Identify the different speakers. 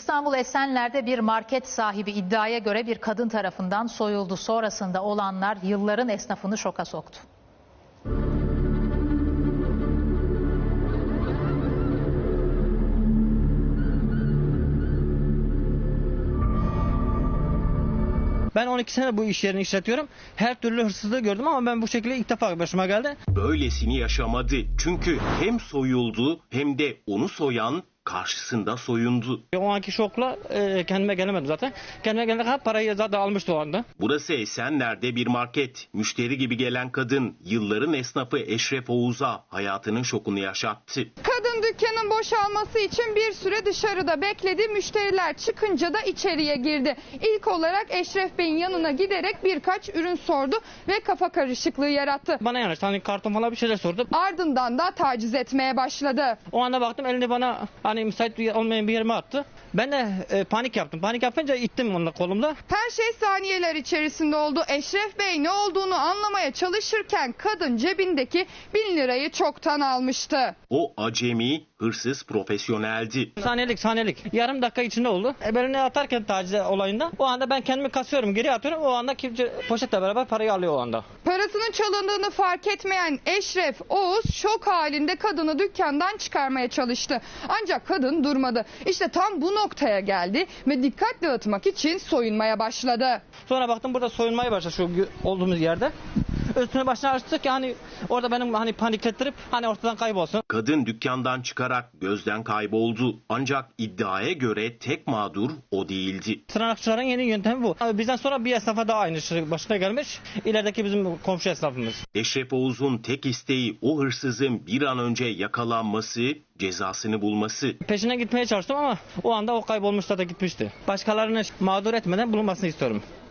Speaker 1: İstanbul Esenler'de bir market sahibi iddiaya göre bir kadın tarafından soyuldu. Sonrasında olanlar yılların esnafını şoka soktu.
Speaker 2: Ben 12 sene bu iş yerini işletiyorum. Her türlü hırsızlığı gördüm ama ben bu şekilde ilk defa başıma geldi.
Speaker 3: Böylesini yaşamadı. Çünkü hem soyuldu hem de onu soyan karşısında soyundu.
Speaker 2: O anki şokla kendime gelemedim zaten. Kendime gelene kadar parayı zaten almıştı o anda.
Speaker 3: Burası Esenler'de bir market. Müşteri gibi gelen kadın yılların esnafı Eşref Oğuz'a hayatının şokunu yaşattı.
Speaker 4: Kadın dükkanın boşalması için bir süre dışarıda bekledi. Müşteriler çıkınca da içeriye girdi. İlk olarak Eşref Bey'in yanına giderek birkaç ürün sordu ve kafa karışıklığı yarattı.
Speaker 2: Bana yanaştı, hani karton falan bir şeyler sordu.
Speaker 4: Ardından da taciz etmeye başladı.
Speaker 2: O anda baktım elini bana hani müsait olmayan bir yerime attı. Ben de panik yaptım. Panik yapınca ittim onunla kolumda.
Speaker 4: Her şey saniyeler içerisinde oldu. Eşref Bey ne olduğunu anlamaya çalışırken kadın cebindeki 1000 lirayı çoktan almıştı.
Speaker 3: O acemi, hırsız profesyoneldi.
Speaker 2: Saniyelik. Yarım dakika içinde oldu. Belini atarken taciz olayında o anda ben kendimi kasıyorum, geri atıyorum. O anda kimse poşetle beraber parayı alıyor o anda.
Speaker 4: Parasının çalındığını fark etmeyen Eşref Oğuz şok halinde kadını dükkandan çıkarmaya çalıştı. Ancak kadın durmadı. İşte tam bu noktaya geldi ve dikkat dağıtmak için soyunmaya başladı.
Speaker 2: Sonra baktım burada soyunmaya başladı şu olduğumuz yerde. Üstüne başına açtık ki hani orada benim hani paniklettirip hani ortadan kaybolsun.
Speaker 3: Kadın dükkandan çıkarak gözden kayboldu. Ancak iddiaya göre tek mağdur o değildi.
Speaker 2: Tırnakçıların yeni yöntemi bu. Bizden sonra bir esnafa daha aynı şey başına gelmiş. İlerideki bizim komşu esnafımız.
Speaker 3: Eşref Oğuz'un tek isteği o hırsızın bir an önce yakalanması, cezasını bulması.
Speaker 2: Peşine gitmeye çalıştım ama o anda o kaybolmuşta da gitmişti. Başkalarını mağdur etmeden bulunmasını istiyorum.